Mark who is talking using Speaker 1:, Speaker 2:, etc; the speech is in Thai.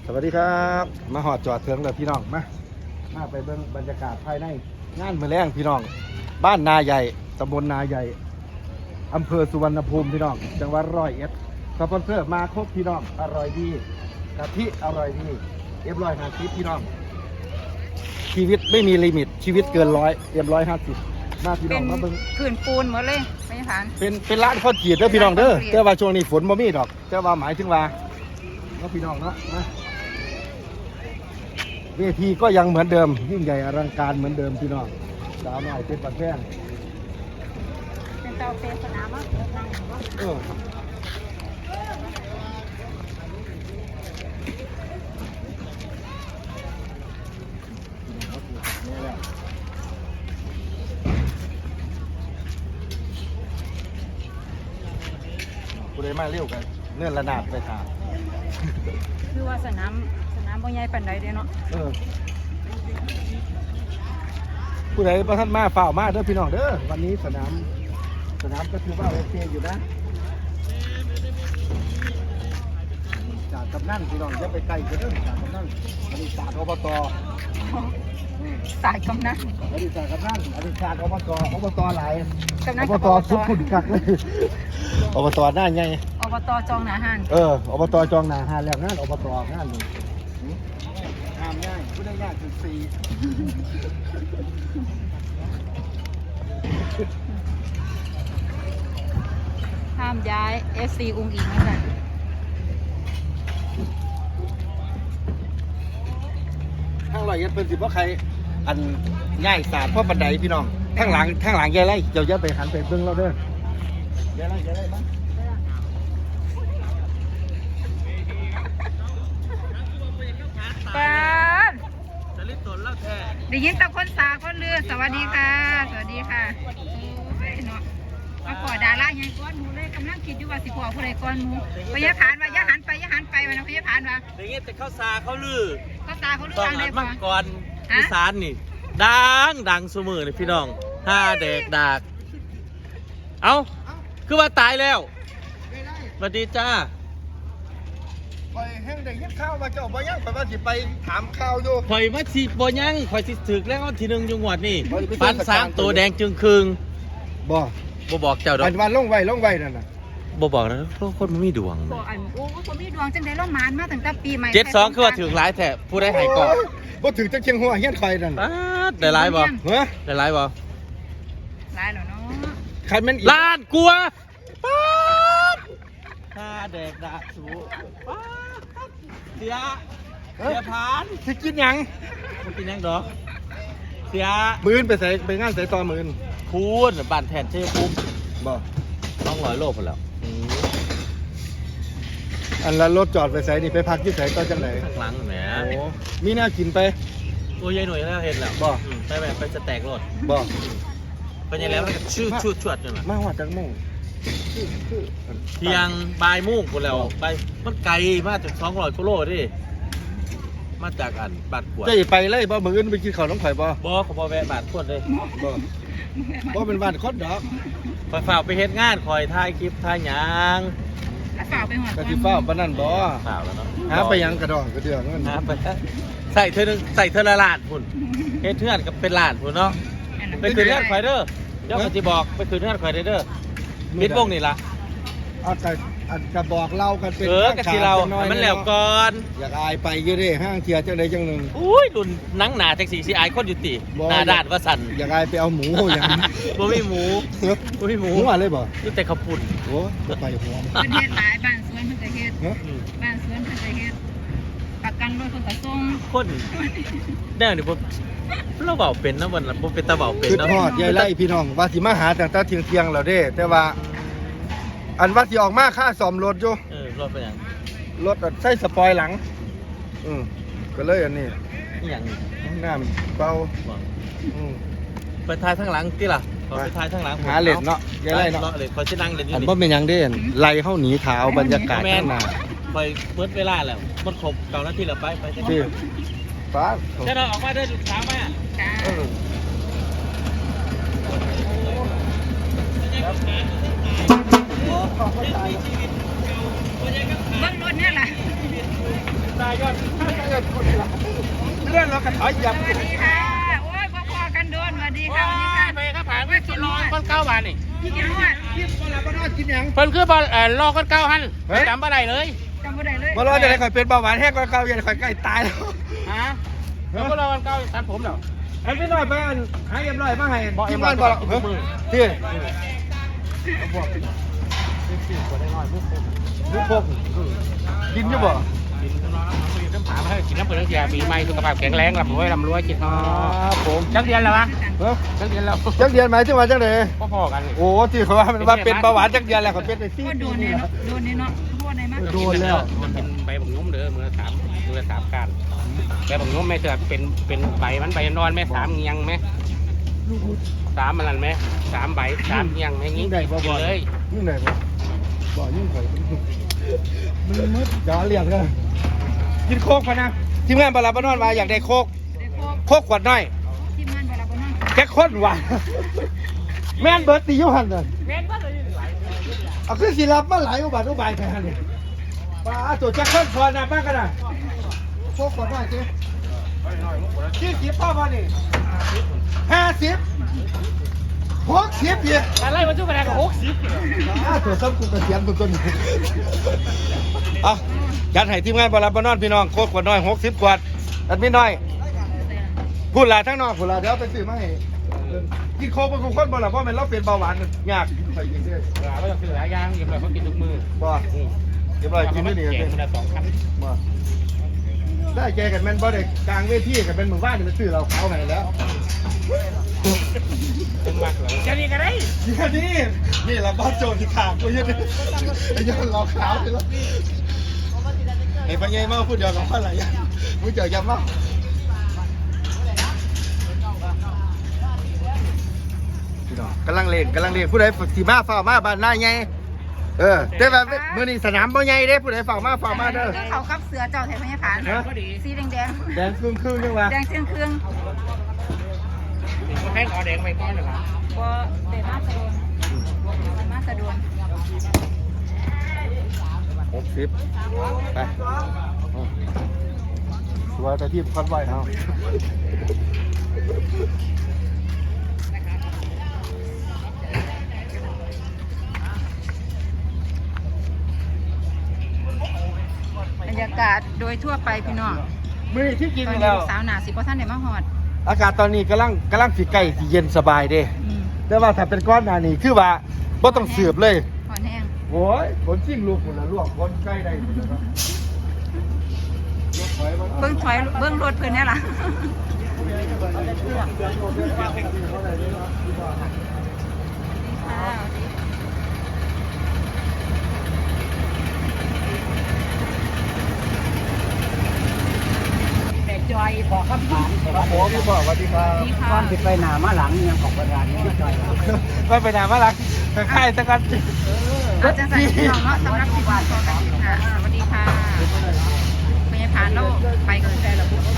Speaker 1: สวัสดีครับมาหอดจอดเถิงเลยพี่น้องมาไปเบิ่งบรรยากาศภายในงานมื้อแรงพี่น้องบ้านนาใหญ่ตำบลนาใหญ่อำเภอสุวรรณภูมิพี่น้องจังหวัดร้อยเอ็ดสปอนเซอร์มาครบพี่น้องอร่อยดีกะทิอร่อยดี150พี่น้องชีวิตไม่มีลิมิตชีวิตเกิน150มาพี่น้องมาเบิ่ง
Speaker 2: ผื่นปูนหมดเลยไม่ผ่าน
Speaker 1: เป็นร้านข้าวจี่เด้อพี่น้องเด้อแต่ว่าช่วงนี้ฝนบ่มีดอกแต่ว่าหมายถึงว่าเนาะพี่น้องเนาะมาเวทีก็ยังเหมือนเดิมยิ่งใหญ่อลังการเหมือนเดิมพี่น้องสาวน้อยเป็นปัดแป้ง
Speaker 2: เป็นเตาเป็นสนามอ่ะ
Speaker 1: กูได้มาเร็วกันเนื่อนระนาดไปทาง
Speaker 2: คือว่าสนามบ่ใหญ่ปานใดเด้เนาะ
Speaker 1: ผู้ใดประท่านมาฝ่าวมาเด้อพี่น้องเด้อวันนี้สนามก็ถือว่าโอเคอยู่นะจากกำนันพี่น้องอย่าไปไกลกันเด้อจากกำนันอดีตศาสตร์อบต
Speaker 2: สายกำนัน
Speaker 1: อดีตศาสตร์กำนันอดีตศาสตร์อบตหลาย
Speaker 2: กำนัน
Speaker 1: อบ
Speaker 2: กับ
Speaker 1: ตสุดขุนกักเลยอบตหน้าไง
Speaker 2: อบตจองหนาหาน
Speaker 1: อบตจองหนาหาแล้วงานอบตงานเลยงานง่ายผู้ได้ยากถึง4
Speaker 2: ห้ามย้าย FC อุ้งอิงนั่นแหละ
Speaker 1: ทางร้อยเอ็ดเป็นสิเพราะใครอันง่ายศาสตร์เพราะบันไดพี่น้องทางหลังยายไล่เจ้าจะไปหันไปเบิ่งเราเด้อยายไล่บ้าง
Speaker 2: ปานได้ยินแต่คนสาคนเรือสวัสดีค่ะสวัสดีค่ะโอ้ยเนาะมาขอดาราใหญ่ก้อนหมูเลยกำลังคิดอยู่ว่าสิขอผู้ใดก้อนหมูพยาผานว่าอย่าหันไปวันนั้นพยาผานว่า
Speaker 3: อย่างเงี้ยแต่ข้าวสาเขาลือ
Speaker 2: ก็ตาเขาเลื
Speaker 3: ต้อง
Speaker 2: ทาง
Speaker 3: อั
Speaker 2: ได้
Speaker 3: น
Speaker 2: ปะ
Speaker 3: มังกรอีสานนี่ดังสมือเลยพี่น้องห้าเด็กดากเอาคือว่าตายแล้วสวัสดีจ้า
Speaker 1: ไปแห้งได้ยินข่าวว่าเจ้าบ่ยังไปว่าสิไปถามข่าวอยู่
Speaker 3: ข่อยมาสิบ่ยังข่อยสิถึกแล้วทีหนึงจังหวัดนี่
Speaker 1: ข่อยสิไป
Speaker 3: ปัน
Speaker 1: เทศกาล
Speaker 3: สามตัวแดงจึงครึง
Speaker 1: บ่
Speaker 3: บ่บอกเจ้าดอ
Speaker 1: อั
Speaker 3: ก
Speaker 1: นวันลงไว้นั่นน่ะ
Speaker 3: บ่บอกนะเพราะคนมันมีดวง
Speaker 2: บอกอันโอ้คนมีดวงจังได้ร่มมานมาตั้งแต่ปีใหม่
Speaker 3: 72คือว่าถึงหลายแท้ผู้ได้หายก่อน
Speaker 1: บ่ถึงจังเชียงหัวเฮียนข่อยนั่น
Speaker 3: ป๊าดได้หลายบ่
Speaker 1: เฮ้อ
Speaker 3: ได้หลายบ่
Speaker 2: หลายแล้วเนาะ
Speaker 1: คันแม่นอีก
Speaker 3: ล้านกลัวป๊าดห้าเด็กดากสูป๊าดเสียผ่าน
Speaker 1: สิกินหยัง
Speaker 3: มันเป็นยังดอกเสีย
Speaker 1: มื้อนไปงานใส่ต่อมื้อน
Speaker 3: คูณบ้านแทนเช่ปุ๊บ
Speaker 1: บ่
Speaker 3: 200 โลพอแล้ว
Speaker 1: อันละรถจอดไปใส่นี่ไปพักที่ไสต่อจังได๋
Speaker 3: ข้างหลังแหม
Speaker 1: โอ้มีแนวกินไป
Speaker 3: โอ้ยายหน่วยแล้วเห็นแล้ว
Speaker 1: บ่
Speaker 3: ไปแบบไปสแต็กรถ
Speaker 1: บ่
Speaker 3: ไปยังแล้วมันก็ชื่อชุดชวดจังน่ะ
Speaker 1: มาฮอดจังโมงคือ
Speaker 3: เพียงบ่ายโมงพุ่นแล้วไปมันไกลมาจาก200กิโลดิมาจากอันบ้านขวด
Speaker 1: จะไปเลยบ่มื้ออื่นไปกินข้าวน้ำข่อยบ่
Speaker 3: บ่เขาบ่แวะบ้านขวดเลย
Speaker 1: บ่เป็นบ้านคนดอก
Speaker 3: คอยฝ่ากไปเฮ็ดงานคอยถ่ายคลิปถ่ายหยัง
Speaker 2: แล้วฝากไปหอด
Speaker 1: กะสิฟ้าปานนั้นบ่
Speaker 3: ฝ่ากแล้วเนาะ
Speaker 1: หาไปหยังกระดองกระเดืองนั่น
Speaker 3: หาไปใส่เธอนึงใส่เธอละล้านพุ่นเฮ็ดเทือนกับเป็นล้านพุ่นเนาะ ไปคืนเงื่อนไขเด้อเดี๋ยวเขาจะบอกไปคืนเงื่อนไขเด้อมิดวงนี่ละ
Speaker 1: เอาแต่อันกระบอกเล่ากันเป็น
Speaker 3: กะสิเราให้มันแล้วก่อน
Speaker 1: อยากอายไปอยู่เด้ห้างเทียจังใดจังหนึง
Speaker 3: อุ้ยรุ่นหนังหนาแท็กซี่ซีไอคนอยู่ติ
Speaker 1: บ่
Speaker 3: หนาด้านว่าสั่น
Speaker 1: อยากอายไปเอาหมูอย่างนี้
Speaker 3: บ่มีหมูบ่มีหมู
Speaker 1: หมูอะไรบ่
Speaker 3: นี่แต่ข้าวปุ้น
Speaker 1: โอ้บ่ไปหัว
Speaker 2: เพิ่นเฮ็ดหลายบ้านสวนเพิ่นก็เฮ็ด
Speaker 1: เฮ้ย
Speaker 2: บ้านสวนเพิ่นก็เฮ็ดประกันรถเพิ่นก็ส่ง
Speaker 3: คนแน่นี่บ่เราเบาเป็นนะวันละบ่เป็นตาเบาเป็น
Speaker 1: คือ
Speaker 3: เนาะ
Speaker 1: ทอดยายไล่พี่น้องว่าสิมาหาตั้งแต่เที่ยงๆแล้วเด้ แต่ว่า อันว่าสิออกมาค่าซ่อมรถอยู่
Speaker 3: รถเป็นหยัง
Speaker 1: รถใส่สปอยหลังก็เลยอันนี้
Speaker 3: นี่หยังนี่
Speaker 1: น้ำเบา
Speaker 3: บ่
Speaker 1: อืม
Speaker 3: ไปทายข้างหลังติล่ะขอไปทายข้างหลัง
Speaker 1: หาเล่นเนาะยายไล่เนาะ
Speaker 3: เลยขอสินั่งเล่นอยู่
Speaker 1: อัน
Speaker 3: นี่
Speaker 1: บ่เป็นหยังเด้ไล่เฮาหนีขาวบรรยากาศข้างหน้า
Speaker 3: ไปเปิดเวลาแล้วมันครบ9 นาทีแล้วไปจัง
Speaker 1: ที่ฟ้า
Speaker 3: เจ้าเราออกมาเดินลูกสาวมา
Speaker 2: จ้า
Speaker 1: เออ
Speaker 2: เบิ่งรถเนี่ยล่ะ
Speaker 3: ตายยอด
Speaker 1: เลื่อนเรากันถอยยับ
Speaker 2: สวัสดีค่ะโอ้ยพอๆกันโดนสวัสดีค่ะสวัสดีค่ะ
Speaker 3: ไปครับผ่านไม่กินรอคนเก้าบาทนี่
Speaker 2: กินนวด
Speaker 1: กินเราก็น่ากินยัง
Speaker 3: เพิ่นคือบอลรอคนเก้าหันจำอะไรเลย
Speaker 2: จำบ่ได้เลย
Speaker 1: มารอจะได้ข่อยเป็นเบาหวานแห้งก็เก่าอย่าข่อยใกล้ตายแล้ว
Speaker 3: ฮะแล้วก็รอคนเก้าตัดผมเนาะ
Speaker 1: อันพี่น้อยไปอันหาเอ็มร้อยมาให้
Speaker 3: บอกเอ็ม
Speaker 1: ร้อยบอกที่ลูกพกกินอยู่บ่
Speaker 3: กินน้ำผาให้กินน้ำเปลือกยาปีใหม่สุขภาพแข็งแรงลำรวยกิน
Speaker 1: ผม
Speaker 3: จักเดือนแล้ววะจักเดือนแล้ว
Speaker 1: จักเดือนหมายถึงว่าจังได๋
Speaker 3: พอๆกัน
Speaker 1: โอ้ที่เขาว่ามันว่าเป็นเบาหวานจักเดือนแล้วเขาเป็นไป4
Speaker 2: ก็
Speaker 1: ปี
Speaker 2: โดนเนี่ยเนาะโดนเนี่ยเนาะโดนไหนมา
Speaker 1: โดนแล้ว
Speaker 3: มันเป็นใบบังนุ่มเด้อมือสามการใบบังนุ่มแม่เถื่อเป็นใบมันใบนอนแม่3เงียงไหม3มันนั่นไหม3ใบ3เงียงแม่งี้กินเลย
Speaker 1: ยิ่งไหนบ่ยิ่งข่อยมันมืดอย่าเรียกเลยกินโคกพะนะทีมงานบาลาบานอนมาอยากได้โคก
Speaker 2: ได้พวก
Speaker 1: โคกขวดน้อย
Speaker 2: ทีมงานเวลาบ่นั่ง
Speaker 1: แค่คนว่ะแม่นเบิร์ตตีอยู่หันเลยเอาขึ้นสิรับมาหลายอุบัติอุบายแค่นี้ป้าตัวแจ็คคนพอนะมากกันนะโคกขวดน้อยสิที่สิบพ่อพอนี่50 60อีก
Speaker 3: อะไรมาจุ๊บกระดาษกับ60
Speaker 1: ตัวซ้ำกูกระเสียมตัวนี้เอาจัดให้ทีมงานบาลาบานอนพี่น้องโคกขวดน้อย60 ขวดอันไม่น้อยพูดลาทั้งนอกพูดลาเดี๋ยวไปซื้อมาให้กินโคกเป็นคนบ่ล่ะเพราะมันเราเป็นเบาหวานยากใส่กินได้
Speaker 3: เราต้องซื้อหลายอย่างเก็บไว้เขากินทุกมือ
Speaker 1: บ่เรียบร้อยกินไม่ดี
Speaker 3: เก่
Speaker 1: เล
Speaker 3: ง
Speaker 1: ย
Speaker 3: คนละ2 คัน
Speaker 1: บ่ได้แกกันแม่นบ่ได้กลางเวทีกันเป็นหมู่บ้านนี่มันซื้อเราเขาให้แล้ว
Speaker 3: ตึงมากเลยจะนี่กันได้
Speaker 1: นี่ละบ้านโจรที่ขางกูยืนไอ้ยันเราขาวไปแล้วไอ้ปัญญามาพูดเดียวกับอะไรมึงเจอยับมั้งกำลังเล่นผู้ใดสีมาฝ่ามาบ้านหน้าไงแต่แบบมื้อนี้สนามบ่ใหญ่เด้ผู้ใดฝ่ามาเด้อ
Speaker 2: คือเขากับเสือเจ้าแถวพญาผานสีแดง
Speaker 1: แดงครึ่งจังวะ
Speaker 2: แดงเครื่อง
Speaker 3: แค่ขอแดงไปก้อนหนึ่ง
Speaker 2: บ่เตะมาสะดวน
Speaker 1: 60ไปตัวแต่ที่คันไว้เอา
Speaker 2: บรรยากาศโดยทั่วไปพี่น้อง
Speaker 1: มื้อที่กิน
Speaker 2: ตอนนี้
Speaker 1: แล้ว
Speaker 2: ลูกสาวหนาสิบ่ทันได้มาฮอด
Speaker 1: อากาศตอนนี้กำลังสิใกล้สิเย็นสบายเด้ แต่ว่าถ้าเป็นก้อนหนานี่คือว่าบ่ต้องเสือบเลย
Speaker 2: ฮอดแห้ง
Speaker 1: โอ้ยคนจิ้งลูกคนละลวกคนใกล้ได้
Speaker 2: เบิ่งถอยเบิ่งรถเพิ่นแน่ล่ะจอยบอกคำถาม
Speaker 1: ครับผมพี่บอกสวัสดีครับ
Speaker 2: ก่อนสิไป
Speaker 1: ไม่ไปนานมาลักค่ายสักกัน
Speaker 2: อาจจะใส่พี่น้องเนาะสำหรับคลิปนี้ขอกันค่ะสวัสดีค่ะพยาผานเราไปกัน